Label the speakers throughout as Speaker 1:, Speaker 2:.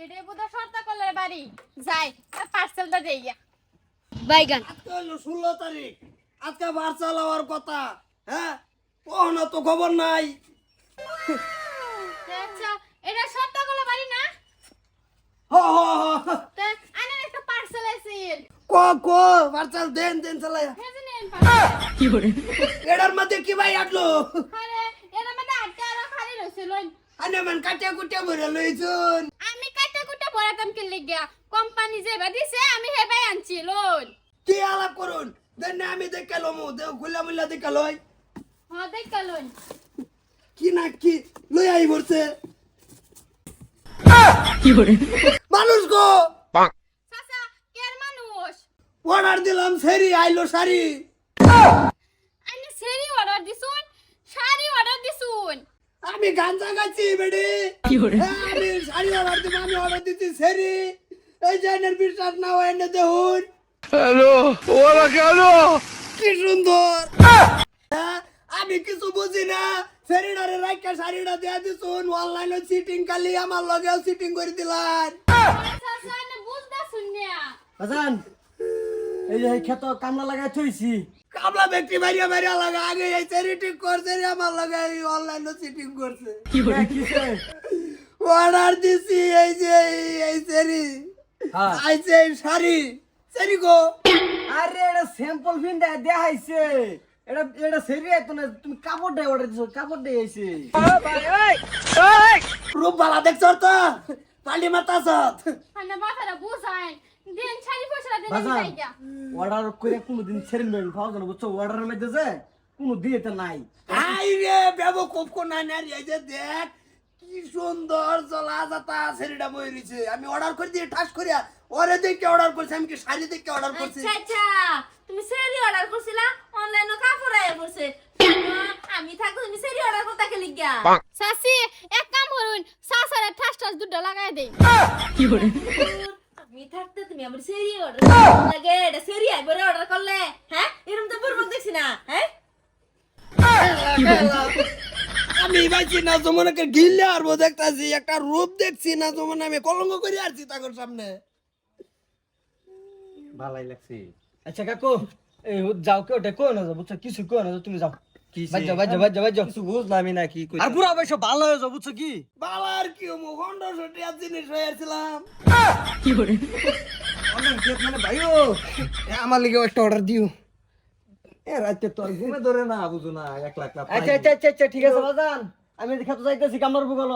Speaker 1: এডে বুদা শর্ত করলে বাড়ি যাই পার্সেলটা দেই গিয়া বাইগান
Speaker 2: আজকে হলো 16 তারিখ আজকে পার্সেল হওয়ার কথা হ্যাঁ কোনো তো খবর নাই
Speaker 1: আচ্ছা এটা শর্ত করলে বাড়ি না
Speaker 2: হ হ হ
Speaker 1: তে আনে একটা পার্সেল আছে
Speaker 2: কো পার্সেল দেন চালাই
Speaker 1: হেজে নেন পার্সেল
Speaker 2: কি করে এটার মধ্যে কি ভাই আটলো
Speaker 1: আরে এর মধ্যে আটটা আর খালি রইছে লইন
Speaker 2: আনে মান কাটিয়া কুটিয়া ভরে লইছুন
Speaker 1: আমি কাটা কুটা পড়াতাম কি লাগিয়া কোম্পানি যে দিছে আমি হেবাই আনছি লইন
Speaker 2: কি আলাপ করুন দেন না আমি দেখে লমু দে খুলা মুলা দেখে লই
Speaker 1: হ্যাঁ দেখ লইন
Speaker 2: কি না কি লই আই বলছে কি করে মানুষ গো
Speaker 1: চাচা কের মানুষ
Speaker 2: অর্ডার দিলাম সেরি আইলো শাড়ি
Speaker 1: আইনে সেরি অর্ডার দিছুন শাড়ি অর্ডার দিছুন
Speaker 2: আমি গাঞ্জা গাছি বেডি কি করে আমি শাড়ি অর্ডার দিব আমি অর্ডার দিছি সেরি এই জাইনের বিশ্বাস না হয় না দেখুন হ্যালো ওরা কেন কি সুন্দর আমি কিছু বুঝি না সেরিডারে রাইকা শাড়িটা দিয়া দিছুন অনলাইনে সিটিং কালি আমার লগেও সিটিং করে দিলান
Speaker 1: চাচা আইনে বুঝদা শুনিয়া
Speaker 3: বাজান এই যে ক্ষেত কামলা লাগাই থইছি
Speaker 2: কামলা ব্যক্তি মারিয়া মারিয়া লাগা আগে এই সেরি ঠিক করছে রে আমার লগে অনলাইনে সিটিং করছে
Speaker 3: কি করে কিসে
Speaker 2: অর্ডার দিছি এই যে এই সেরি
Speaker 3: হ্যাঁ
Speaker 2: আইছে এই শাড়ি সেরি গো
Speaker 3: আরে এটা স্যাম্পল ফিন দেখাইছে এটা সেরি আইতো না তুমি কাপড় দে অর্ডার দিছো কাপড় দে আইছে
Speaker 2: রূপ বালা দেখছ তো পালি মাতা সত
Speaker 1: আইনে মাথাটা বুঝাই দিন শাড়ি পয়সা দেন আমি
Speaker 3: বাজান
Speaker 1: যাই গিয়া
Speaker 3: অর্ডার করে কোনদিন ছেড়ে নেবেন পাওয়া যাবে বুঝছো অর্ডারের মধ্যে যে কোনো দিয়েতে নাই
Speaker 2: আই রে বেবো খুব কোন নাই এই যে দেখ কি সুন্দর জলা যাতা সেরিটা বইরিছে আমি অর্ডার করে দিয়ে ঠাস করিয়া ওরে দেখে অর্ডার করছি আমি কি শাড়ি দেখে অর্ডার করছি
Speaker 4: আচ্ছা আচ্ছা তুমি সেরি অর্ডার করছিলা অনলাইনে কাপড় আয়া পড়ছে আমি থাকো তুমি সেরি অর্ডার করতে কে লিগা
Speaker 1: চাচি এক কাম করুন চাচারে ঠাস ঠাস দুধ লাগাই দেই
Speaker 2: কি করে
Speaker 4: আমি থাকতে তুমি আমার সেরি অর্ডার লাগে এটা সেরি আইবরে অর্ডার করলে হ্যাঁ এরকম তো বুরবক দেখছি না হ্যাঁ
Speaker 2: আমি ভাইছি না জমনাকে গিললে আর দেখতাছি একটা রূপ দেখছি না জমন আমি কলঙ্ক করে আসছি তাকর সামনে
Speaker 3: ভালোই লাগছে আচ্ছা কাকু এই যাও কেউ ওটা কই না যাও বুঝছো কিছু কই না তুমি যাও বাজ
Speaker 5: কিছু বুঝলামই না কি
Speaker 3: আর পুরো অবশ্য ভালো হয়ে যাও বুঝছো কি
Speaker 2: বালার কি মু খন্ড সটিয়া জিনিস হয়েছিলাম
Speaker 5: অনেক গেট মানে ভাইও আমার লিগে একটা অর্ডার দিও এ রাতে তো আর ঘুমে ধরে না বুঝো না 1 লাখ লাখ
Speaker 3: আচ্ছা ঠিক আছে বাজান আমি খেতে যাইতেছি কামড় বুগলো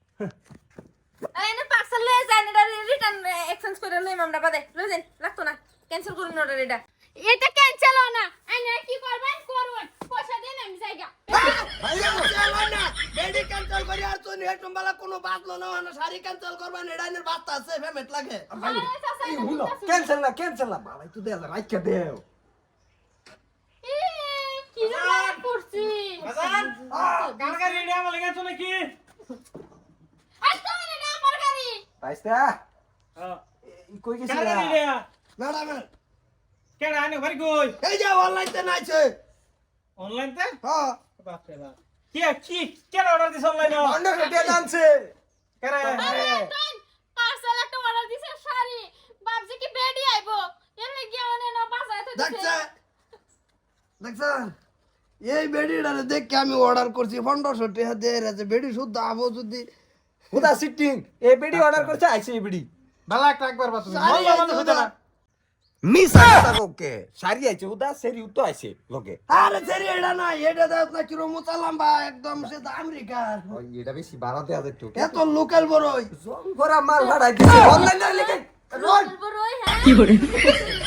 Speaker 4: এনে পার্সেল লয়ে যান এটা রিটার্ন এক্সচেঞ্জ করে লইম আমরা বাদে লই যান লাগতো না ক্যান্সেল করুন অর্ডার এটা
Speaker 1: এটা ক্যান্সেল হয় না আইনে কি করবেন করুন পয়সা দেন আমি যাই গিয়া
Speaker 2: চলো না বেডি ক্যান্সেল করি আর তুই হেটম বালা কোনো বাতলো না না শাড়ি ক্যান্সেল করবা নেডাইনের বাস্তা আছে পেমেন্ট লাগে
Speaker 1: আরে চাচা এটা
Speaker 5: হলো
Speaker 1: বুঝতাছি না।
Speaker 5: ক্যান্সেল না ভাই তুই দে রাইখা দেও
Speaker 1: এ, কি রাগ করছি
Speaker 3: কালকে রেডি আমার লেগেছো নাকি
Speaker 1: আচ্ছা এটা আমার গাড়ি
Speaker 5: পাইছা কই গেছিলা
Speaker 2: ম্যাডাম
Speaker 3: কেডা আনে বাড়ি কই
Speaker 2: এই যে অনলাইন তে নাইছে
Speaker 3: অনলাইন তে
Speaker 2: হ্যাঁ
Speaker 3: বাপ রে বাপ কি কেডা অর্ডার দিছ অনলাইনে
Speaker 5: অন্য রেটে জানছে
Speaker 3: কেডা
Speaker 1: পার্সেল একটা অর্ডার দিছে শাড়ি বাপজি কি বেডি আইবো এর লাগি অনে না বাজায় তো
Speaker 2: দেখছ দেখছ এই বেডিটারে দেখে আমি অর্ডার করছি 1500 টাকা দিয়ে রেছে বেডি শুদ্ধ আবো যদি
Speaker 5: হুদা সিটিং এই বেডি অর্ডার করছে আইছে এই বেডি
Speaker 3: বালা একটা একবার বাত
Speaker 2: শাড়ি আইছে
Speaker 3: হইতো না
Speaker 5: মিস আইতা ওকে সারি আইছে হুদা সেরি উত্তো আইছে লোকে
Speaker 2: আরে সেরি এটা না এটা দাও না কিরো মুতালাম্বা একদম সে আমেরিকার
Speaker 5: ওই এটা বেশি বাড়া দেয়া যেত
Speaker 2: এত লোকাল বড়ই
Speaker 5: জং করা মাল ভাড়াই দিছে অনলাইনে লেগে
Speaker 4: বড় হ্যাঁ